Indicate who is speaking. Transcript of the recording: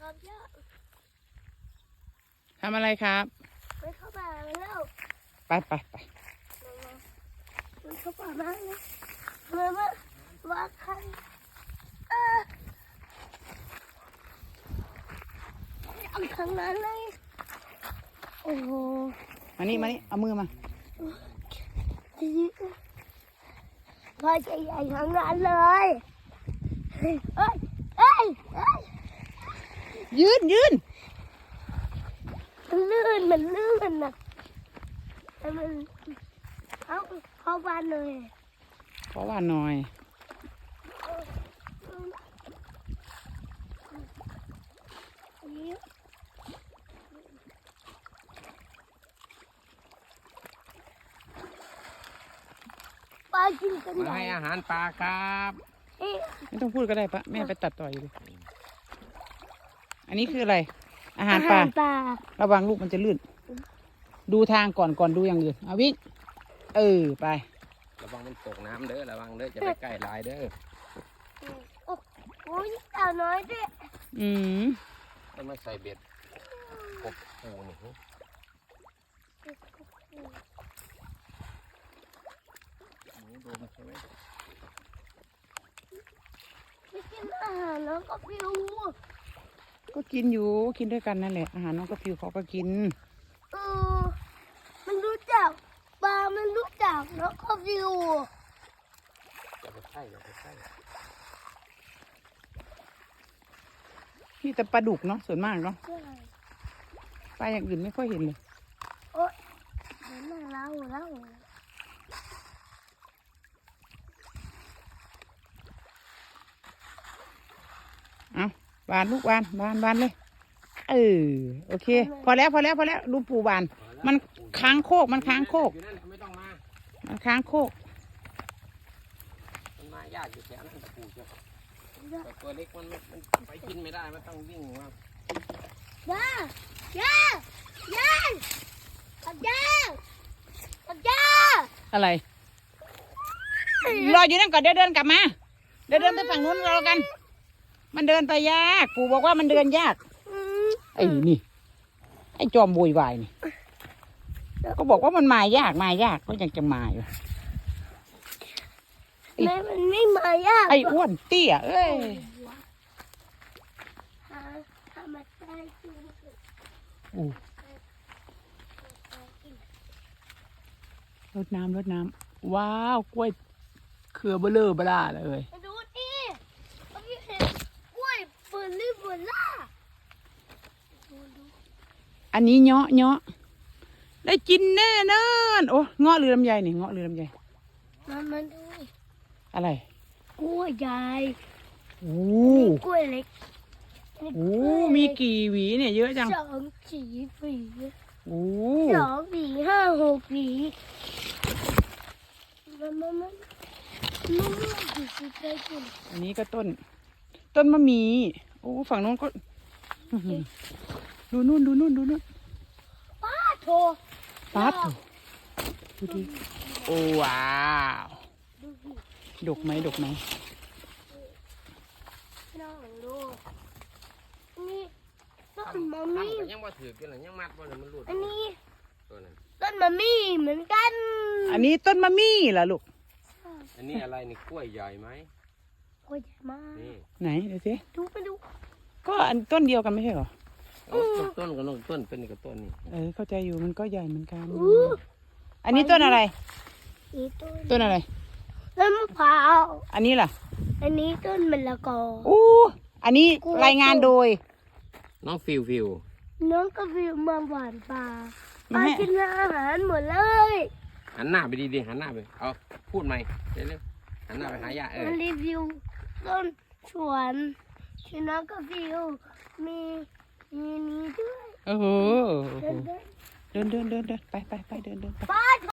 Speaker 1: ครับย่า
Speaker 2: ทำอะไรครับ
Speaker 1: ไปเข้าป่าแล้ว
Speaker 2: ไป
Speaker 1: มันเข้าป่ามากเลยว่าใครเอาทางนั้นเลยโอ้โห
Speaker 2: มานี่เอามือมา
Speaker 1: ว่าจะใหญ่ทางนั้นเลย
Speaker 2: ยืน
Speaker 1: มันลื่นนะมันเข้าบ้านเลย
Speaker 2: เพราะว่าหน่อย
Speaker 1: ปลากินกัน
Speaker 3: มาให้อาหารปลาครับ
Speaker 2: ไม่ต้องพูดก็ได้ปะแม่ไปตัดต่ออยู่ดิอันนี้คืออะไรอาหารปลาระวังลูกมันจะลื่นดูทางก่อนดูอย่างอื่นเอาวิ่งไประ
Speaker 3: วังมันตกน้ำเด้อระวังเด้อจะไปใกล้ลายเด้อ
Speaker 1: โอ้ยเต่าน้อยด้วย
Speaker 3: ต้องมาใส่เบ็ดกบปูนี่โดนใช่ไหม
Speaker 1: ไม่กินอาหารแล้วก็ฟิว
Speaker 2: ก็กินอยู่กินด้วยกันนั่นแหละอาหารน้องกระพิวเขาก็กิน
Speaker 1: มันรู้จักปลามันรู้จักแล้วก็ฟิว
Speaker 3: อย่าไปใกล้
Speaker 2: นี่แต่ปลาดุกเนาะส่วนมากเนาะปลาอย่างอื่นไม่ค่อยเห็นเลย
Speaker 1: โอ๊ยเห็นมาแล้ว
Speaker 2: เอาบานลูกบานเลยโอเคพอแล้วดูปูบานมันค้างโคกมันค้างโคก
Speaker 3: ไม่ต้องมา
Speaker 2: มันค้างโคก
Speaker 3: มันมายากอยู่แถวนั้นตะปูเจ้าแต่ตัวเล็กมันไปกินไม่ได้มันต้องวิ่งมา
Speaker 1: ย่า
Speaker 2: อะไรรออยู่นั่นก่อนเดี๋ยวเดินกลับมาเดินไปฝั่งนู้นรอกันมันเดินไปยากปู่บอกว่ามันเดินยากไอ้นี่ไอ้จอมโวยวายนี่ก็บอกว่ามันมายากก็ยังจะมาอยู่
Speaker 1: แม่มันไม่มายาก
Speaker 2: ไอ้อ้วนเตี้ยรดน้ำว้าวกล้วยเครือเบลอเบล่าเลย
Speaker 1: ดูดิพี่เห็นกล้วยเบล่า
Speaker 2: อันนี้เงาะได้กินแน่นอนโอ้เงาะหรือลำไยนี่เงาะหรือลำไย
Speaker 1: มันดู
Speaker 2: อะไร
Speaker 1: กล้วยใหญ่กล้วยเล็ก
Speaker 2: มีกี่หวีเนี่ยเยอะจัง
Speaker 1: 2 4 4
Speaker 2: 2
Speaker 1: 4 5 6 หวีมัน
Speaker 2: อันนี้ก็ต้นมะมีโอ้ฝั่งโน้นก็ดูนู่น
Speaker 1: ป้าโถ
Speaker 2: ดูดิโอ้ว้าวดกไหม
Speaker 1: น้องดูนี่ต้นมะมี่
Speaker 3: ยังมาถือกันหรือยังมัดบ่เลยมันหลุด
Speaker 1: อันนี้ต้นมะมี่เหมือนกัน
Speaker 2: อันนี้ต้นมะมี่เหรอลูก
Speaker 3: อันนี้อะไรนี่กล้วยใหญ่ไหม
Speaker 1: กล้วยใหญ่มาก
Speaker 2: ไหนดูสิ
Speaker 1: ไปดู
Speaker 2: ก็อันต้นเดียวกันไม่ใช่เหรอ
Speaker 3: ต้นกับต้นเป็นกับต้นนี่
Speaker 2: เข้าใจอยู่มันก็ใหญ่เหมือนกันอันนี้ต้นอะไรต้นอะไร
Speaker 1: ต้นมะพร้าว
Speaker 2: อันนี้ล่ะ
Speaker 1: อันนี้ต้นมะละกอ
Speaker 2: อันนี้รายงานโดย
Speaker 3: น้องฟิว
Speaker 1: น้องก็ฟิวมาหวานปลากินอาหารหมดเลย
Speaker 3: หันหน้าไปดีหันหน้าไปเอาพูดใหม่เร็วหันหน้าไปหายา
Speaker 1: รีวิวต้นสวนที่น้องก็ฟิวมีนี้ด้วย
Speaker 2: เดินไปเดินไป